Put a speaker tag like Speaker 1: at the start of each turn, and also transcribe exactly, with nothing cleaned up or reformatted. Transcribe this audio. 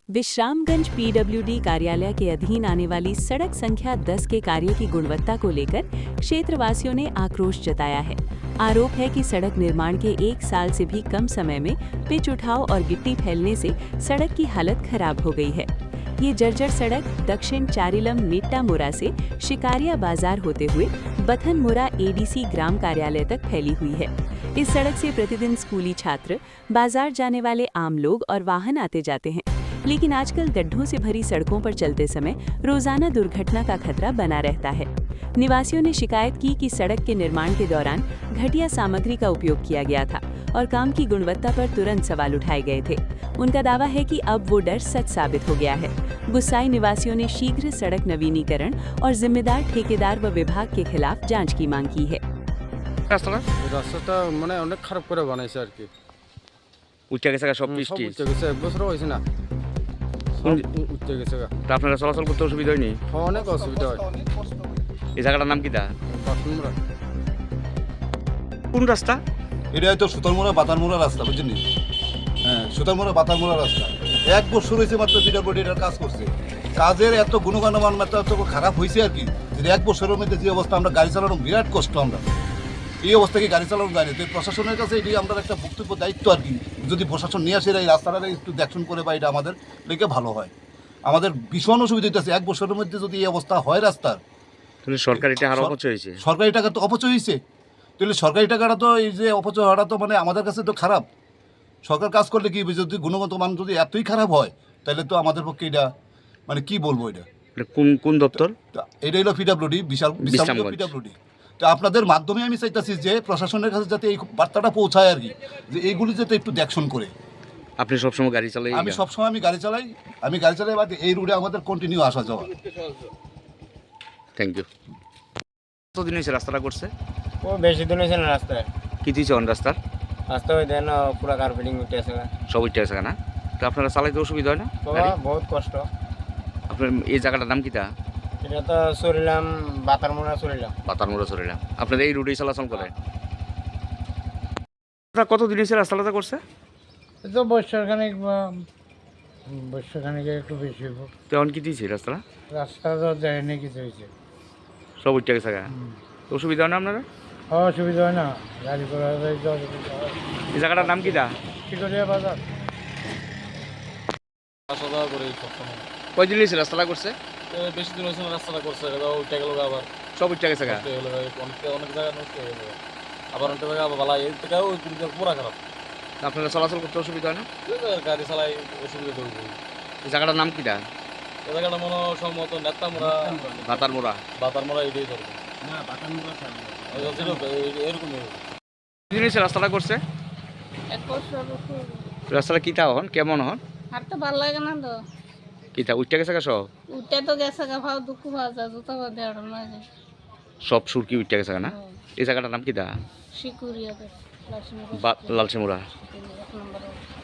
Speaker 1: Vishramganj PWD कार्यालय के अधीन आने वाली सड़क संख्या दस के कार्य की गुणवत्ता को लेकर क्षेत्रवासियों ने आक्रोश जताया है। आरोप है कि सड़क निर्माण के एक साल से भी कम समय में पिच उठाव और गिट्टी फैलने से सड़क की हालत खराब हो गई है। ये जर्जर सड़क दक्षिण चारिलम नेट्टामुरा से शिकारिया बाजार होते हुए बथनमुरा एडीसी ग्राम कार्यालय तक फैली हुई है। इस सड़क से प्रतिदिन स्कूली छात्र, बाजार जाने वाले आम लोग और वाहन आते जाते हैं, लेकिन आजकल गड्ढों से भरी सड़कों पर चलते समय रोजाना दुर्घटना का खतरा बना रहता है। निवासियों ने शिकायत की कि सड़क के निर्माण के दौरान घटिया सामग्री का उपयोग किया गया था और काम की गुणवत्ता पर तुरंत सवाल उठाए गए थे। उनका दावा है कि अब वो डर सच साबित हो गया है। गुस्साए निवासियों ने शीघ्र सड़क नवीनीकरण और जिम्मेदार ठेकेदार व विभाग के खिलाफ जांच की मांग की है।
Speaker 2: রাস্তাটা মানে অনেক খারাপ করে বানাইছে আর কি।
Speaker 3: উঠে গেছে সব
Speaker 2: সব
Speaker 3: বৃষ্টি
Speaker 2: উঠে গেছে, এক বছরও হয়েছে না, সব উঠে গেছে।
Speaker 3: তা আপনারা চলাচল করতে অসুবিধা হয়নি?
Speaker 2: হ্যাঁ, অনেক অসুবিধা হয়।
Speaker 3: এই জায়গাটার নাম কি দা?
Speaker 2: বাথরুমরা
Speaker 3: কোন রাস্তা?
Speaker 4: এটা হয়তো সুতারমোড়া বাতারমোড়া রাস্তা, বুঝছেন? হ্যাঁ, সুতারমোড়া বাতারমোড়া রাস্তা। এক বছর হয়েছে মাত্র পিডব্লিউডি এটার কাজ করছে। কাজের এত গুণগত মান মাত্র এত খারাপ হয়েছে আর কি, যে এক বছরের মধ্যে যে অবস্থা, আমরা গাড়ি চালানো বিরাট কষ্ট। আমরা এই অবস্থাকে গাড়ি চালানো যায় না। তো প্রশাসনের কাছে এটি আমাদের একটা বক্তব্য দায়িত্ব আর কি, যদি প্রশাসন নিয়ে আসে এই রাস্তাটা একটু দেখশন করে বা এটা আমাদের লেগে ভালো হয়। আমাদের ভীষণ অসুবিধা হইতেছে, এক বছরের মধ্যে যদি এই অবস্থা হয় রাস্তার।
Speaker 3: সরকারি টাকা আরো অপচয় হয়েছে।
Speaker 4: সরকারি টাকা তো অপচয় হয়েছে, তাহলে সরকারি টাকাটা তো এই যে অপচয় হওয়াটা তো মানে আমাদের কাছে তো খারাপ। সরকার কাজ করলে কি, যদি গুণগত মান যদি এতই খারাপ হয় তাহলে তো আমাদের পক্ষে এটা মানে কি বলবো, এটা
Speaker 3: কোন কোন দপ্তর?
Speaker 4: এটা হলো পিডব্লিউডি, বিশাল পিডব্লিউডি। তো আপনাদের মাধ্যমে আমি চাইতেছি যে প্রশাসনের কাছে যাতে এই বার্তাটা পৌঁছায় আর কি, যে এইগুলি যাতে একটু দেখশন করে।
Speaker 3: আপনি সবসময় গাড়ি চালাই?
Speaker 4: আমি সবসময় আমি গাড়ি চালাই, আমি গাড়ি চালাই বা এই রুটে আমাদের কন্টিনিউ আসা যাওয়া।
Speaker 3: Thank you. কতদিন হয়েছে রাস্তাটা করছে?
Speaker 5: ও বেশি দিন হয়েছে না রাস্তায়।
Speaker 3: কি দিয়েছে অন রাস্তার?
Speaker 5: রাস্তা ওই দেন পুরো কার্পেটিং উঠে আছে,
Speaker 3: সব উঠে আছে না? তো আপনারা চালাইতে অসুবিধা হয় না?
Speaker 5: বহুত কষ্ট।
Speaker 3: আপনার এই জায়গাটার নাম কি তা?
Speaker 5: এটা তো চলিলাম বাতারমোড়া চলিলাম।
Speaker 3: বাতারমোড়া চলিলাম। আপনারা এই রুটেই চলাচল করে? আপনারা কতদিন হয়েছে রাস্তাটা করছে?
Speaker 5: তো বর্ষাখানিক বা বর্ষাখানিক একটু বেশি হইব।
Speaker 3: তখন কি দিয়েছে রাস্তাটা?
Speaker 5: রাস্তা তো যায়নি, কিছু হয়েছে,
Speaker 3: সব উঠে গেছে। অসুবিধা হয় না আপনারা?
Speaker 5: অসুবিধা হয় না, গাড়ি করা যায়।
Speaker 3: এই জায়গাটার নাম কি দা?
Speaker 5: শিকরিয়া বাজার।
Speaker 2: আসা যাওয়া করে সবসময়।
Speaker 3: কয়দিন হয়েছে রাস্তাটা করছে?
Speaker 2: বেশি দিন হয়েছে না রাস্তাটা করছে, উঠে গেল আবার
Speaker 3: সব উঠে গেছে।
Speaker 2: অনেক অনেক জায়গায় নষ্ট হয়ে গেল, আবার অনেক জায়গা আবার ভালো, এই থেকেও পুরা খারাপ।
Speaker 3: আপনারা চলাচল করতে অসুবিধা হয় না?
Speaker 2: গাড়ি চালাই অসুবিধা তৈরি।
Speaker 3: এই জায়গাটার নাম কি দা?
Speaker 2: এই জায়গাটা মনে হয় সম্ভবত নেত্তামোড়া
Speaker 3: বাতারমোড়া।
Speaker 2: বাতারমোড়া এটাই ধরবে।
Speaker 5: হ্যাঁ, বাতারমোড়া
Speaker 2: এরকম
Speaker 3: দিন হয়েছে রাস্তাটা করছে?
Speaker 6: এক বছর
Speaker 3: রাস্তাটা কিতা হন, কেমন হন?
Speaker 6: আর তো ভালো লাগে না তো।
Speaker 3: কিতা উঠে গেছে সব?
Speaker 6: উঠে তো গেছে গা, ভাও দুঃখ পাওয়া যায়, জুতো পাওয়া দেওয়ার না যায়,
Speaker 3: সব সুরকি উঠে গেছে না? এই জায়গাটার নাম কি দা?
Speaker 6: শিকুরিয়া
Speaker 3: লালসিমুরা।
Speaker 6: এক নম্বর।